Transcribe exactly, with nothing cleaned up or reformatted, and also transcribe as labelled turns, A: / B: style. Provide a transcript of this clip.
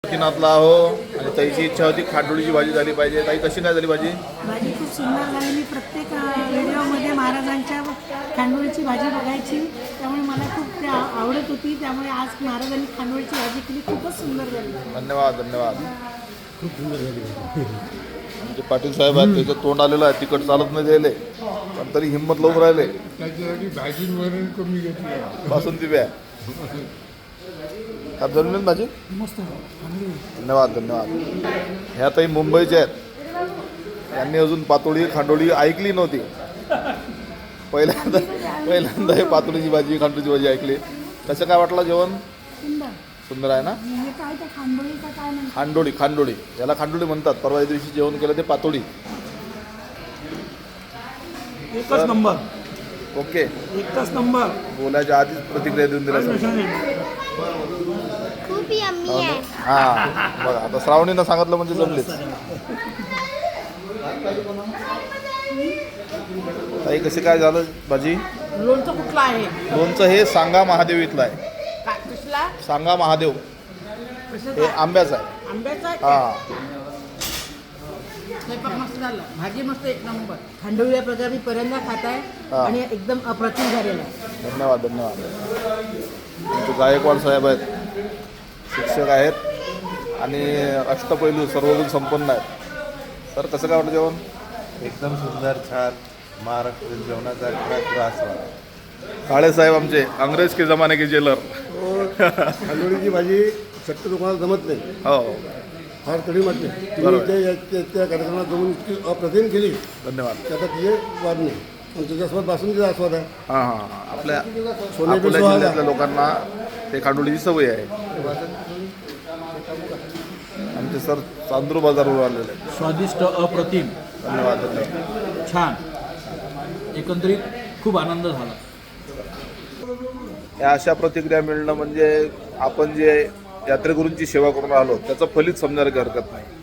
A: नातला हो आणि ताईची इच्छा होती खांडोळीची भाजी झाली पाहिजे. ताई कशी काय झाली भाजी?
B: भाजी खूप सुंदर झाली. मी प्रत्येक व्हिडिओमध्ये महाराजांच्या खांडोळीची भाजी बघायची, त्यामुळे मला खूप ते आवडत होती. त्यामुळे आज महाराजांनी खांडोळीची भाजी केली, खूपच सुंदर झाली.
A: धन्यवाद धन्यवाद. खूप सुंदर झाली. आमचे पाटील साहेब आहेत, त्याचं तोंड आलेलं आहे, तिकट चालत नाही द्यायले, पण तरी हिंमत लावून राहिले.
C: त्याच्यासाठी भाजीवरून कमी घेतली
A: बासुंदी ब्या जरूर भाजी.
B: मस्त
A: धन्यवाद धन्यवाद. ह्या ताई मुंबईच्या आहेत, यांनी अजून पातोळी खांडोळी ऐकली नव्हती. पहिल्यांदा पहिल्यांदा हे पातोळीची भाजी खांडोळीची भाजी ऐकली. कसं काय वाटलं जेवण?
B: सुंदर
A: सुंदर आहे ना.
B: हे काय त्या खांडोळीचा काय म्हणतात?
A: खांडोळी खांडोळी याला खांडोळी म्हणतात. परवा दिवशी जेवण केलं ते पातोळी.
D: एकच नंबर.
A: ओके,
D: एकच नंबर.
A: बोलायच्या आधीच प्रतिक्रिया देऊन दिल्या.
E: खूप यम्मी आहे.
A: हां बघा, आता श्रावणीनं सांगितलं म्हणजे जमलेच. ताई कशी काय झालं भाजी?
F: लोणचं कुठलं आहे?
A: लोणचं हे सांगा महादेव इथलं आहे.
F: काय कसला?
A: सांगा महादेव हे आंब्याचं आहे.
F: आंब्याचा आहे?
A: हां
F: स्वयंपाक मस्त झाला, भाजी मस्त एक नंबर. खांडोळी या प्रकारे मी पहिल्यांदा खात आहे
A: हा.
F: आणि एकदम अप्रतिम झालेला आहे.
A: धन्यवाद धन्यवाद. आमचे गायकवाड साहेब आहेत, शिक्षक आहेत आणि अष्टपैलू सर्वगुण संपन्न आहेत. तर कसं काय वाटतं जेवण?
G: एकदम सुंदर, छान महाराष्ट्रीयन जेवणाचा खरा आस्वाद.
A: काळे साहेब आमचे अंग्रेज के जमाने के जेलर.
C: खांडोळीची भाजी शक्यतो कोणाला जमत नाही,
A: हो
C: फार कडी वाटते. तुम्ही त्या या- त्या त्या कार्यक्रमात जमून इतकी अप्रतिम केली,
A: धन्यवाद.
C: त्याचा तिचे वाद नाही. आणि त्याच्यासोबत बासुंदीचा आस्वाद आहे.
A: हां हां हां. आपल्या
C: सोने पे
A: अकोला
C: सुहागा.
A: जिल्ह्यातल्या लोकांना ते खांडोळीची सवय आहे. आमचे सर चांदूर बाजारवर आलेले आहेत.
D: स्वादिष्ट, अप्रतिम,
A: धन्यवाद धन्यवाद.
D: छान. एकंदरीत खूप आनंद झाला.
A: या अशा प्रतिक्रिया मिळणं म्हणजे आपण जे यात्रेकरूंची सेवा करून राहिलो त्याचं फलित समजायला काही हरकत नाही.